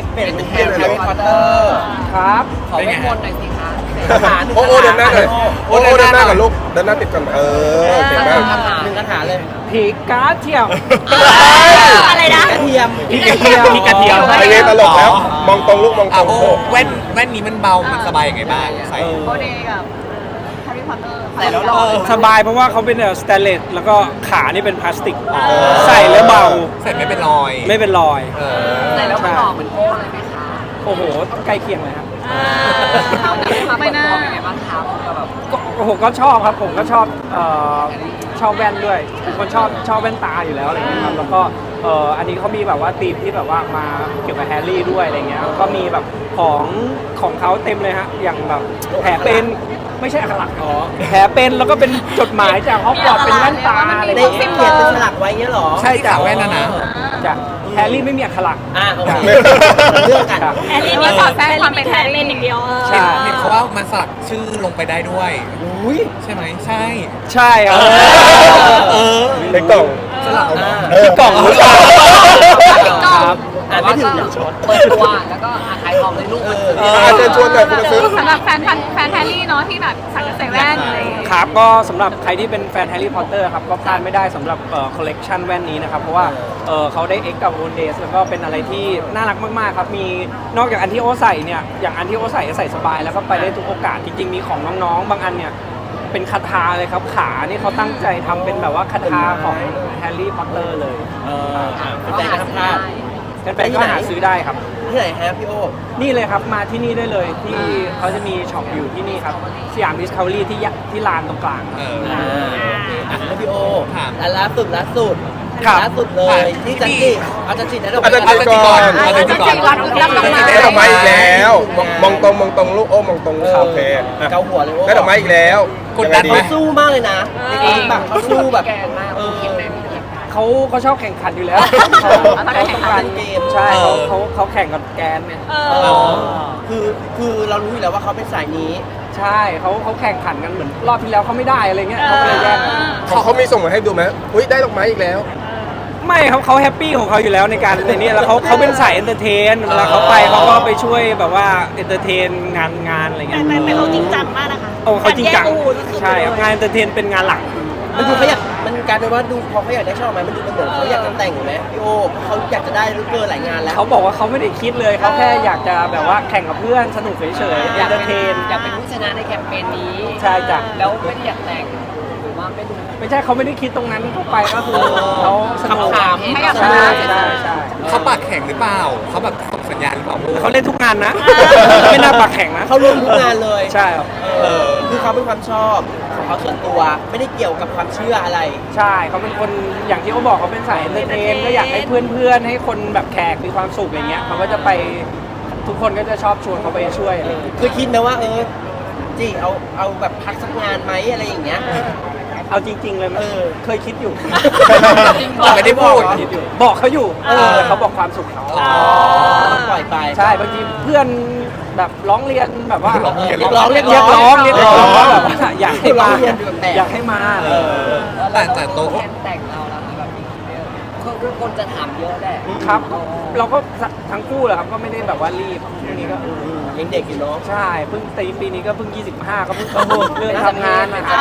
เป็นแฮร์รี่พอตเตอร์ครับขอเวทมนต์หน่อยสิคะโอ้เดินหน้าเลยโอ้เดินหน้ากับลูกเดินหน้าติดกันเก่งมากหนึ่งคาถาเลยผีกาเทียมอะไรนะกระเทียมผีกระเทียมไอเตลกแล้วมองตรงลูกมองตรงแว่นนี้มันเบามันสบายยังไงบ้างใส่โบเดกับแฮร์รี่พอตเตอร์ใส่แล้วหล่อสบายเพราะว่าเขาเป็นสแตนเลสแล้วก็ขานี่เป็นพลาสติก ใส่แล้วเบาใส่ไม่เป็นรอยไม่เป็นรอยใส่แล้วมันหล่อเหมือนโอ้เลยไหมคะโอ้โหใกล้เคียงเลยครับไม่น่าเป็นไงบ้างคะแบบก็โอ้โหก็ชอบครับผมก็ชอบชอบแว่นด้วยเป็นคนชอบแว่นตาอยู่แล้วอะไรเงี้ยครับแล้วก็อันนี้เขามีแบบว่าธีมที่แบบว่ามาเกี่ยวกับแฮร์รี่ด้วยอะไรเงี้ยก็มีแบบของเขาเต็มเลยฮะอย่างแบบแผลเป็นไม่ใช่อักขระแผลเป็นแล้วก็เป็นจดหมายจากฮอกวอตส์เป็นแว่นตาอะไรในเงี้ยเขียนเป็นฉลากไว้เงี้ยหรอใช่จ้ะแว่นนะจ้ะแฮร์รี่ไม่มีอักขระโอเคเรื่องกันแฮร์รี่นี่สอดแทรกความเป็นแฮร์รี่อย่างเดียวใช่เห็นเขาว่ามันสลักชื่อลงไปได้ด้วยใช่ไหมใช่ใช่ครับในกล่องสลักเอามาที่กล่องหรือเปล่าครับไม่ถึงเปิดตัวแล้วก็ขายของเลยลูกมันเชิญชวนหน่อยคุณจะซื้อสำหรับแฟนแฮร์รี่เนาะที่แบบสักใส่แว่นอะไรอย่างเงี้ยครับก็สำหรับใครที่เป็นแฟนแฮร์รี่พอตเตอร์ครับก็พลาดไม่ได้สำหรับคอลเลกชันแว่นนี้นะครับเพราะว่าเขาได้เอ็กกับโอนเดสแล้วก็เป็นอะไรที่น่ารักมากๆครับมีนอกจากอันที่โอใส่เนี่ยอย่างอันที่โอใส่สบายแล้วก็ไปได้ทุกโอกาสจริงๆมีของน้องๆบางอันเนี่ยเป็นคาถาเลยครับขานี่เขาตั้งใจทำเป็นแบบว่าคาถาของแฮร์รี่พอตเตอร์เลยเป็นใจนะครับพลาดแฟนๆก็หาซื้อได้ครับที่ไหนฮะพี่โอ้นี่เลยครับมาที่นี่ได้เลยที่เขาจะมีช็อปอยู่ที่นี่ครับสยามดิสคัฟเวอรี่ที่ลานตรงกลางแล้วพี่โอครับล่าสุดครับล่าสุดเลยที่จันจิอาจารย์จิได้ดอกอาจารย์จิก่อนอาจารย์จิก่อนได้ดอกไม้อีกแล้วมองตรงลูกโอ้มองตรงโอเคเกาหัวเลยโอ้ได้ดอกไม้อีกแล้วกดดันไหมเขาสู้มากเลยนะในเกมแบบเขาสู้แบบเขาชอบแข่งขันอยู่แล้วเขาแข่งขันเกมใช่เขาแข่งกับแกนเนี่ยคือเรารู้อยู่แล้วว่าเขาเป็นสายนี้ใช่เขาแข่งขันกันเหมือนรอบที่แล้วเขาไม่ได้อะไรเงี้ยเขาก็เลยแย่งกันเขามีส่งมาให้ดูไหมอุ้ยได้ดอกไม้อีกแล้วไม่ครับเขาแฮปปี้ของเขาอยู่แล้วในการในนี้แล้วเขาเป็นสายเอนเตอร์เทนเวลาเขาไปเขาก็ไปช่วยแบบว่าเอนเตอร์เทนงานอะไรเงี้ยแต่เขาจริงจังมากนะคะโอ้เขาจริงจังใช่ครับงานเอนเตอร์เทนเป็นงานหลักมันดูเขาอยากมันกลายเป็นว่าดูพอเขาอยากได้ช่อไม้มันดูเป็นเหมือนเขาอยากจะแต่งอยู่ไหมพี่โอเขาอยากจะได้รู้เกินหลายงานแล้วเขาบอกว่าเขาไม่ได้คิดเลยเขาแค่อยากจะแบบว่าแข่งกับเพื่อนสนุกเฉยๆเอนเตอร์เทนอยากเป็นผู้ชนะในแคมเปญนี้ใช่จ้ะแล้วไม่ได้อยากแต่งหรือว่าไม่ดูไม่ใช่เขาไม่ได้คิดตรงนั้นเข้าไปก็คือเขาสนุกขำๆให้กับใช่ใช่ใช่เขาปากแข็งหรือเปล่าเขาแบบส่งสัญญาณหรือเปล่าเขาเล่นทุกงานนะ ไม่น่าปากแข็งนะเขาร่วมทุกงานเลยใช่ครับคือเขาเป็นความชอบของเขาส่วนตัวไม่ได้เกี่ยวกับความเชื่ออะไรใช่เขาเป็นคนอย่างที่เขาบอกเขาเป็นสายเอนเตอร์เทนก็อยากให้เพื่อนๆให้คนแบบแขกมีความสุขอย่างเงี้ยเขาก็จะไปทุกคนก็จะชอบชวนเขาไปช่วยอะไรอย่างเงี้ยคือคิดไหมว่าจีเอาแบบพักสักงานไหมอะไรอย่างเงี้ยเอาจริง ๆ เลยมั้ยเคยคิดอยู่แต่ไม่ได้พูดคิดอยู่บอกเขาอยู่แต่เขาบอกความสุขเขาปล่อยไปใช่บางทีเพื่อนแบบร้องเรียนแบบว่าเรียกร้องว่าแบบว่าอยากให้มาร้องเรียนแบบแตกอยากให้มาอะไรอย่างเงี้ยแต่โต๊ะแต่งเราแล้วแบบคือคนจะถามเยอะแหละครับ เราก็ทั้งคู่แหละครับก็ไม่ได้แบบว่ารีบช่วงนี้ก็ยังเด็กอยู่เนาะใช่เพิ่งปีนี้ก็เพิ่ง 25 ก็เพิ่งเข้าเรื่องทำงานนะ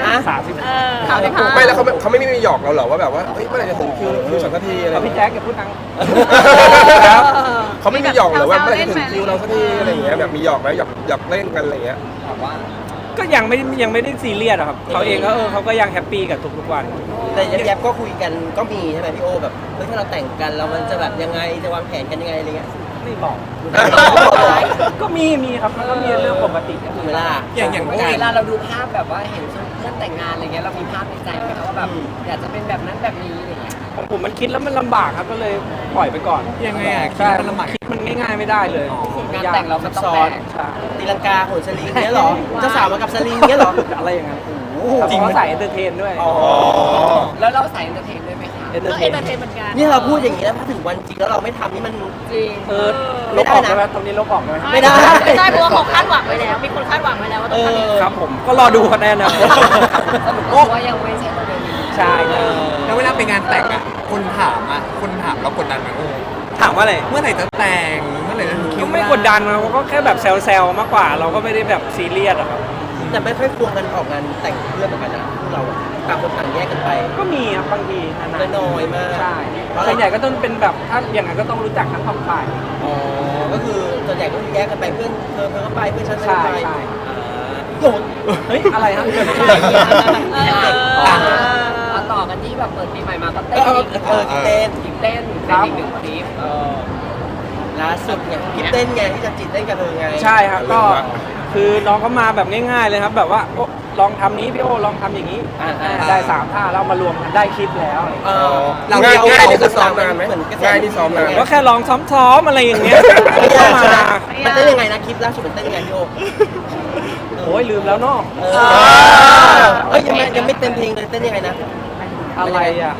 30 ไม่แล้วเขาไม่มีหยอกเราเหรอว่าแบบว่าเฮ้ยเมื่อไหร่จะถึงคิวสักทีอะไรพี่แจ๊คอย่าพูดดังครับเขาไม่มีหยอกเหรอว่าเมื่อไหร่จะถึงคิวเราสักทีอะไรอย่างเงี้ยแบบมีหยอกไหมหยอกเล่นกันอะไรอย่างเงี้ยก็ยังไม่ได้ซีเรียสอะครับเขาเองก็เขาก็ยังแฮปปี้กับทุกๆวันแต่แยบๆก็คุยกันก็มีใช่ไหมพี่โอแบบเฮ้ยถ้าเราแต่งกันแล้วมันจะแบบยังไงจะวางแผนกันยังไงอะไรเงี้ยไม่บอก ก็มีครับมันก็มีเรื่องปกติถูกไหมล่ะอย่างเวลาเราดูภาพแบบว่าเห็นเพื่อนแต่งงานอะไรเงี้ยเรามีภาพในใจไหมคะว่าแบบอยากจะเป็นแบบนั้นแบบนี้อะไรเงี้ยของผมมันคิดแล้วมันลำบากครับก็เลยปล่อยไปก่อนยังไงอ่ะคิดใช่มันลำบากคิดมันง่ายๆไม่ได้เลยงานแต่งเรามันต้องซ้อแบนกใช่ตีลังกาโหนสลิงเงี้ยเหรอเจ้าสาวมากับสลิงเงี้ยเหรออะไรอย่างเงี้ยจริงเขาใส่เอนเตอร์เทนด้วยแล้วเราใส่เอนเตอร์เทนด้วยไหมคะเอนเตอก็ร์เทเอนนเตอร์เทนเหมือนกันนี่เราพูดอย่างนี้แล้วถ้าถึงวันจริงแล้วเราไม่ทำนี่มันจริงลบออกได้ไหมตรงนี้ลบออกได้ไหมไม่ได้ไม่ได้เพราะว่าเขาคาดหวังไว้แล้ว มีคนคาดหวังไว้แล้วว่าต้องทำอย่างนี้ครับผมก็รอดูคะแนนนะสรุปว่ายังไม่ใช่ประเด็นใช่แล้วเวลาไปงานแต่งอ่ะคนถามเรากดดันไหมโอ้ถามว่าอะไรเมื่อไหร่จะแต่งเมื่อไหร่หน่อยนะคิก็วไม่กดดันนะก็แค่แบบแซวๆมากกว่า เราก็ไม่ได้แบบซีเรียสอะครับแต่ไม่ค่อยควงกันออกงานแต่งเพื่อนเหมือนกันนะพวกเราอะต่างคนต่างแยกกันไปก็มีครับบางทีนานๆน้อยมากใช่เพราะอะไรส่วนใหญ่ก็ต้องเป็นแบบถ้าอย่างนั้นก็ต้องรู้จักทั้งสองฝ่ายอ๋อก็คือส่วนใหญ่ก็แยกกันไปเพื่อนเธอก็ไปเพื่อนฉันก็ไปใช่โกรธเฮ้ยอะไรครับเอาต่อกันที่แบบเปิดปีใหม่มาก็เอเต้นออีกเต้นอีกเต้นครัเป็นบอีกหนึ่งคลิปล่าสุดเนี่ยคลิปเต้นไงที่จะจิตเต้นกับเธอไงใช่ครับก็คือน้องเขามาแบบง่ายๆเลยครับ แบบว่าโอ้ลองทำนี้พี่โอลองทำอย่างนี้ได้3 ท่าแล้วมารวมกันได้คลิปแล้วเออเราง่ายนี่คือซ้อมนานไหมง่ายนี่ซ้อมนานก็แค่ลองซ้อมๆอะไรอย่างเงี้ยไม่ก็ยากมาใช่ไหมมันเต้นยังไงนะคลิปล่าสุดมันเต้นยังไงพี่โอโอ้ยลืมแล้วเนาะเอ้ยยังไม่เต็มเพลงเลยเต้นยังไงนะอะไรอ่ะ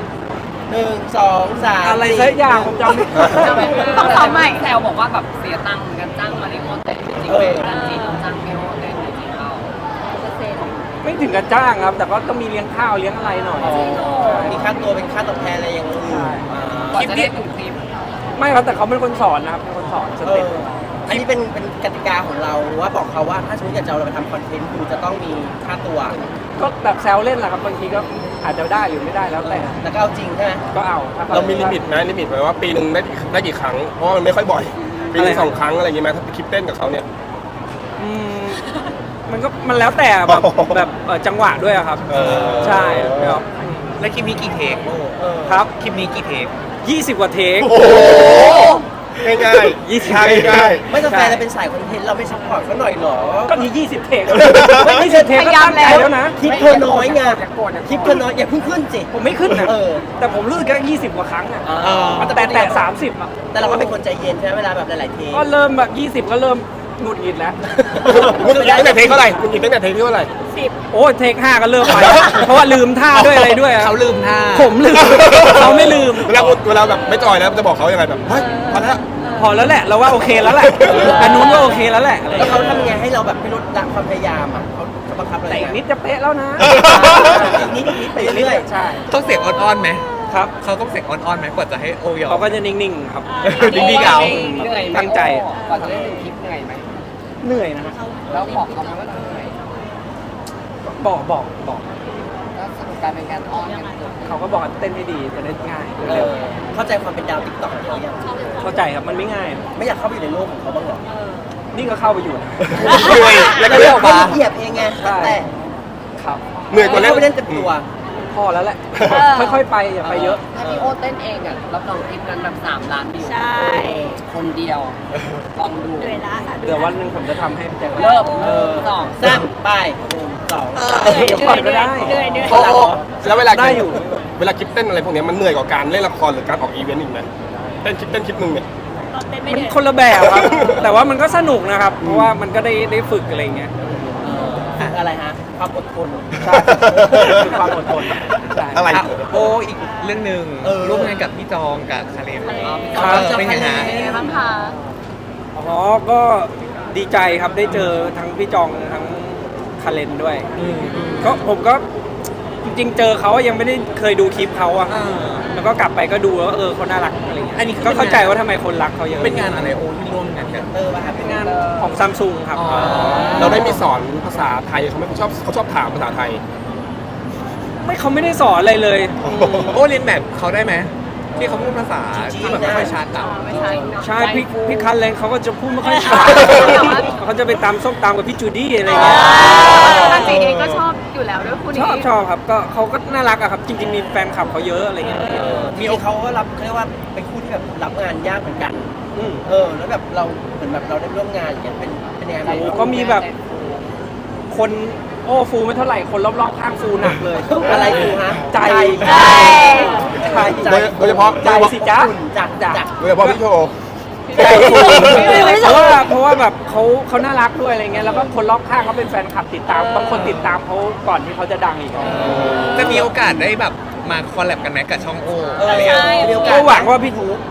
1 2 3 อะไรสักอย่างผมจำไม่ต้องซ้อมใหม่แซวบอกว่าแบบเสียตังค์กันจ้างมาริโอเต้นจริงไหมกันจริงจ้างพี่โอเต้นจริงเขาไม่ถึงกับจ้างครับ แต่ก็ต้องมีเลี้ยงข้าวเลี้ยงอะไรหน่อยมีค่าตัวเป็นค่าตอบแทนอะไรอย่างอื่นก่อนจะได้ถึงคลิปไม่ครับแต่เขาเป็นคนสอนนะครับเป็นคนสอนสเต็ปอันนี้เป็นกติกาของเราว่าบอกเขาว่าถ้าสมมติอยากจะเอาเราไปทำคอนเทนต์คือจะต้องมีค่าตัวก็แบบแซวเล่นแหละครับบางทีก็อาจจะได้หรือไม่ได้แล้วแต่แล้วก็เอาจริงใช่ไหมก็เอาถ้เรามีลิมิตไหมลิมิตไว้ว่าปีหนึ่งได้กี่ครั้ง เพราะว่ามันไม่ค่อยบ่อย ปีหนึง2 ครั้งอะไรอย่างเงี้ยไหมถ้าไปคลิปเต้นกับเขาเนี่ยอืมมันแล้วแต่แบบจังหวะด้วยอะครับ ใช่ครับแล้วคลิปนี้กี่เทคครับคลิปนี้กี่เทค 20 กว่าเทคโอ้โหง่ายๆ 20 ง่ายง่ายไม่ต้องแฟนเราเป็นสายคอนเทนต์เราไม่ซัพพอร์ตเขาหน่อยหรอก็มี20 เทคไม่20 เทคก็ตั้งใจแล้วนะคลิปเธอน้อยไงคลิปเธอน้อยอย่าเพิ่งขึ้นสิผมไม่ขึ้นนะ แต่ผมรู้สึกแค่20 กว่าครั้งอะแต่30อะแต่เราก็เป็นคนใจเย็นใช่ไหมเวลาแบบหลายๆเทปก็เริ่มแบบ20 ก็เริ่มหงุดหงิดแล้วมึงตั้งแต่เทคเท่าไหร่มึงตั้งแต่เทคที่เท่าไหร่โอ้เทค 5 ก็เริ่มไป เพราะว่าลืมท่าด้วยอะไรด้วยอะเขาลืมท่าผมลืม เขาไม่ลืมเวลาแบบไม่จอยแล้วจะบอกเขายังไงแบบเฮ้ยพอแล้วพอแล้วแหละ เราว่าโอเคแล้วแหละ อันนู้นก็โอเคแล้วแหละอะไรอแล้ย่าว งเขาเงี้ยทำยังไงให้เราแบบไม่ลดละความพยายามอ่ะเขาบังคับเราแต่ยังไงอีกนิดจะเป๊ะแล้วนะอีกนิดไปเรื่อยใช่ต้องเสียงอ่อนๆไหมครับเขาต้องเสียงอ่อนๆไหมกว่าจะให้โอยอเขามก็จะนิ่งๆครับดีๆเอาเหนื่อยไหมตั้งใจก่อนจะได้ถึงคลิปเหนื่อยไหมเหนื่อยนะฮะแล้วบอกเขาไหมว่าเหนื่อยบอกแล้วสรุปการเป็นการอ้อนกันเกิดเขาก็บอกว่าเต้นให้ดีจะได้ง่ายๆเร็วเข้าใจความเป็นดาวติ๊กต็อกของเขายังเข้าใจครับมันไม่ง่ายไม่อยากเข้าไปอยู่ในโลกของเขาบ้างเหรอนี่ก็เข้าไปอยู่นะเหนื่อยแล้วก็เรียกออกมาเหยียบเองไงแต่ครับเหนื่อยกว่าเล่เข้าน ไปเล่นเต็มตัวพอแล้วแหละ ค่อยๆไปอย่าไปเยอะถ้าพี่โอเต้นเองอ่ะรับรองคลิปนั้นแบบ3 ล้านวิวใช่คนเดียวลองดูเหนื่อยละค่ะเดี๋ยววันหนึ่งผมจะทำให้แจ็คเริ่มสามไป1 2 เดี๋ยวก่อนก็ได้เหนื่อยโอ้โหแล้วเวลาได้อยู่เวลาคลิปเต้นอะไรพวกเนี้ยมันเหนื่อยกว่าการเล่นละครหรือการออกอีเวนต์อีกไหมเต้นคลิปหนึ่งเนี่ยมันคนละแบบครับ แต่ว่ามันก็สนุกนะครับ เพราะว่ามันก็ได้ฝึกอะไรเงี้ยอะไรฮะความอดทนใช่คือความอดทนใช่อะไรอ่ะโออีกเรื่องหนึ่งร่วมงานกับพี่จองกับคาเลมครับเป็นไงฮะเป็นไงบ้างคะอ๋อ ก็ดีใจครับได้เจอทั้งพี่จองทั้งคาเลนด้วย ก็ผมก็จริงๆ เจอเขายังไม่ได้เคยดูคลิปเขาอะแล้วก็กลับไปก็ดูแล้วก็เขาน่ารักอะไรเงี้ยอันนี้ก็เข้าใจว่าทำไมคนรักเขาเยอะเป็นงานอะไรโอที่ร่วมงานกันป่ะครับเป็นงานของซัมซุงครับอ๋อเราได้มีสอนภาษาไทยเขาไหม่เขาชอบถามภาษาไทยไม่เขาไม่ได้สอนอะไรเลยโอเรียนแบบเขาได้ไหมที่เขาพูดภาษาที่แบบไม่ค่อยชัดอ่ะไม่ใช่ใช่พี่คันเลนเขาก็จะพูดไม่ค่อยชัดเขาจะไปตามส้มตามกับพี่จูดี้อะไรเงี้ยตาจีเองก็ชอบอยู่แล้วด้วยคู่นี้ชอบครับก็เขาก็น่ารักอะครับ จริงๆมีแฟนคลับเขาเยอะอะไรเงี้ยมีเขาก็รับเขาเรียกว่าเป็นคู่ที่แบบรับงานยากเหมือนกันอืมแล้วแบบเราเหมือนแบบเราได้ร่วมงานอย่างเงี้ยเป็นยังไงบ้างโอ้ก็มีแบบคนโอ้ฟูไม่เท่าไหร่คนรอบๆข้างฟูหนักเลยอะไรกูฮะใจใช่โดยเฉพาะใจสิจ๊ะจักโดยเฉพาะพี่โชว์ใจฟูเพราะว่าแบบเขาน่ารักด้วยอะไรเงี้ยแล้วก็คนรอบข้างเขาเป็นแฟนคลับติดตามบางคนติดตามเขาก่อนที่เขาจะดังอีกจะมีโอกาสได้แบบมาคอลแลบกันไหมกับช่องโออะไรอย่างเงี้ยมีโอกาก็สหวังว่าพี่ถ้า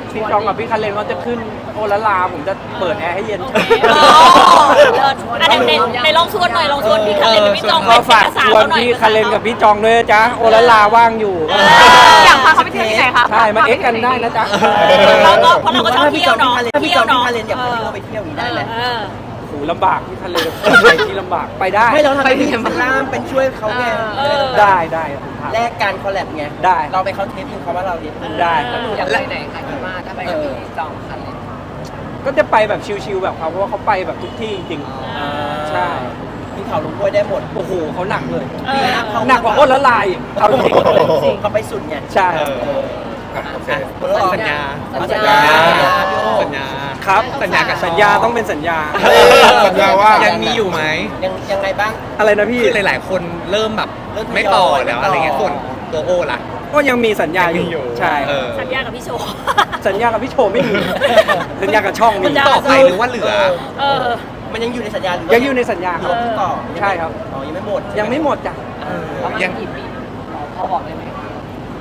พี่จองกับพี่คันเลนเขาจะขึ้นโอละลาผมจะเปิดแอร์ให้เย็นอันในลองชวนหน่อยลองชวนพี่คันเลนกับพี่จองไปก็ฝากเอกสารชวนเขาหน่อยพี่คันเลนกับพี่จองด้วยนะจ๊ะโอละลาว่างอยู่อยากพาเขาไปเที่ยวที่ไหนคะใช่มาเอ็กซ์กันได้นะจ๊ะเราก็เพราะเราก็ชอบเที่ยวเนาะถ้าพี่เที่จยอวงพี่เนาะคาเลนอยากพาพี่โอไปเที่ยวอย่างนี้ได้ไหมเออโหลำบากพี่คันเลนไปที่ลำบากไปได้ไม่เราทำเป็นล่ามเป็นช่วยเขาไงได้ผมทำแลกการคอลแลบไงได้เราไปเขาเทปนึงเขาว่าเราเทปนึงได้แล้วหนูอยากไปไหนคะคิดว่าถ้าไปกับพี่จองคันเลยก็จะไปแบบชิลๆแบบเขาเพราะว่าเขาไปแบบทุกที่จริงใช่มีเขาลงห้วยได้หมดโอ้โหเขาหนักเลยเออหนักกว่าโอละลายเอาจริงจริงเขาไปสุดไงใช่โอเคสัญญาสัญญาพี่โอสัญญาครับสัญญากับสัญญาต้องเป็นสัญญาสัญญาว่ายังมีอยู่ไหมยังไงบ้างอะไรนะพี่คือหลาย ๆ คนเริ่มแบบไม่ต่อแล้วอะไรเงี้ยส่วนตัวโอล่ะก็ยังมีสัญญาอยังมีอยู่ใช่เออสัญญากับพี่โชว์สัญญากับพี่โชว์ไม่มี สัญญากับช่องมีสัญญาต่อไปหรือว่าเหลือเออมันยังอยู่ในสัญญาหรือยังอยู่ในสัญญาครับต่อใช่ครับอ๋อยังไม่หมดยังไม่หมดจ้ะประมาณยังกี่ปีพอบอกได้ไหมคะ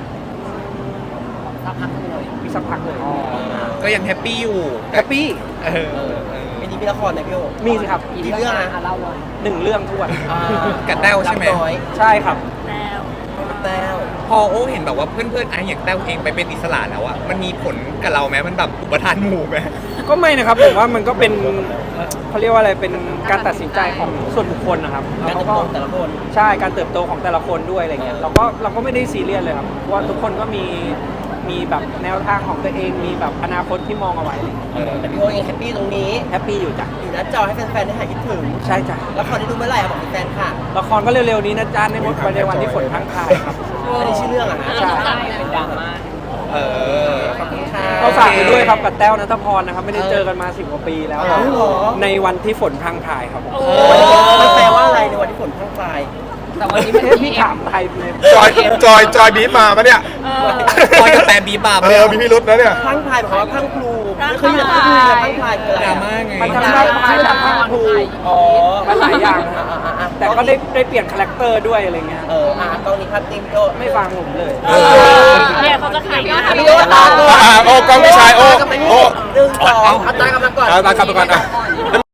สักพักหนึงเลยมีสักพักเลยก็ยังแฮปปี้อยู่แฮปปี้เออปีนี้มีละครไหมพี่โอมีสิครับกี่เรื่องนะเล่าเลย 1 เรื่องทวนกับแต้วใช่ไหมรับน้อยใช่ครับแล้วแต้วพอโอ้เห็นแบบว่าเพื่อนๆไอ้อย่างแต้วเองไปเป็นอิสระแล้วอะมันมีผลกับเราไหมมันแบบอุปทานหมู่ไหมก็ไม่นะครับผมว่ามันก็เป็นเขาเรียกว่าอะไรเป็นการตัดสินใจของส่วนบุคคลนะครับการแล้วเติบก็โตของแต่ละคนใช่การเติบโตของแต่ละคนด้วยอะไรเงี้ยเราก็ไม่ได้ซีเรียสเลยครับเพราะว่าทุกคนก็มีแบบแนวทางของตัวเองมีแบบอนาคตที่มองเอาไว้แต่พี่โอยังแฮปปี้ตรงนี้แฮปปี้อยู่จ้ะอยู่หน้าจอให้แฟนๆได้หายคิดถึงใช่จ้ะละครได้ดูเมื่อไหร่อะบอกแฟนๆค่ะละครก็เร็วๆนี้นะจ๊ะในวันที่ฝนพรังพรายครับอันนี้ชื่อเรื่องอะฮะใช่เป็นดราม่าเออขอบคุณค่ะก็ฝากไปด้วยครับกับแต้วนัทพรนะครับไม่ได้เจอกันมา10 กว่าปีแล้วอ๋อเหรอในวันที่ฝนพรังพรายครับผมมันแปลว่าอะไรในวันที่ฝนพรั่งพรายแต่วันนี้มันพี่ถามไทยเลยจอยบีบมาปะเนี่ยคอยกับแปมบีบาบมีพิรุษนะเนี่ยพรั่งพรายหมายความว่าพรั่งพลูไม่เคยยินพรั่งพลูเลยพรั่งพรายคืออะไรดราอะม่าไงมันทั้งได้พายทั้งพรังพรูอ๋อมันหลายอย่างนะอ่ะแต่ก็ได้เปลี่ยนคาแรคเตอร์ด้วยอะไรเงี้ยกล้องนี้ภาพนิ่งโจไม่ฟังผมเลยเนี่ยเขาจะขายยอดพี่โอตาโอ้กล้องพี่ชายโอ้หนึ่งสองเอาตากลับมาก่อนตากลับมาก่อน